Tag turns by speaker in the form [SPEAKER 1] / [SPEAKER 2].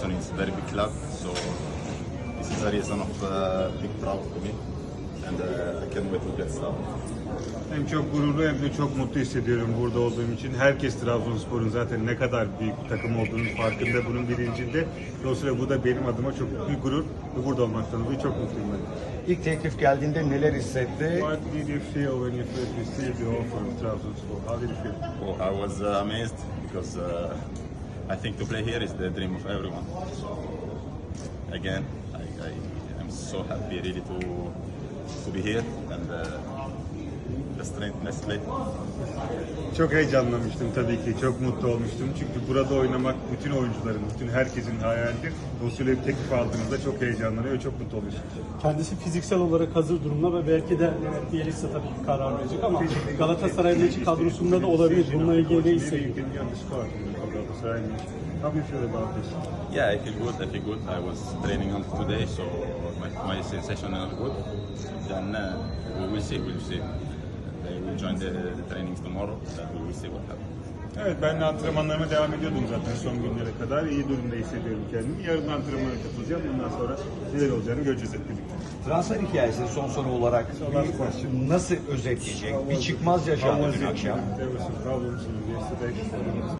[SPEAKER 1] Trabzon is a very big club, so this is a reason of big proud to me, and I can't wait to get started.
[SPEAKER 2] Hem çok gururlu hem de çok mutlu hissediyorum burada olduğum için. Herkes Trabzonspor'un zaten ne kadar büyük bir takım olduğunun farkında, bunun bilincinde. Dolayısıyla bu da benim adıma çok büyük bir gurur ve burada olmaktan dolayı çok mutluyum ben.
[SPEAKER 3] İlk teklif geldiğinde neler hissetti?
[SPEAKER 2] What did you feel when you first received the offer of Trabzonspor? How did you feel?
[SPEAKER 1] Oh, I was amazed because I think to play here is the dream of everyone. So again, I am so happy really to be here and let's play.
[SPEAKER 2] Çok heyecanlanmıştım tabii ki, çok mutlu olmuştum. Çünkü burada oynamak bütün oyuncuların, bütün herkesin hayalidir. Dolayısıyla bir teklif aldığınızda çok heyecanlanıyor ve çok mutlu oluyorsunuz.
[SPEAKER 4] Kendisi fiziksel olarak hazır durumda ve belki de Bielitsa tabii ki karar verecek ama Galatasaray'ın kadrosunda da olabilir. Bununla ilgili ne hissediyor?
[SPEAKER 2] How do you feel about this?
[SPEAKER 1] Yeah, I feel good. I feel good. I was training on today, so my sensation is good. Then we will see. We will see. They will join the trainings tomorrow. Then we will see what happens.
[SPEAKER 2] Evet, ben de antrenmanlarıma devam ediyordum zaten son günlere kadar. İyi durumda hissediyorum kendimi. Yarın antrenmana katılacağım. Bundan sonra neler olacağını göreceğiz hep birlikte.
[SPEAKER 3] Transfer hikayesini son soru olarak nasıl özetleyecek? Bir çıkmaz yaşandı dün akşam.
[SPEAKER 2] There was some problems yesterday.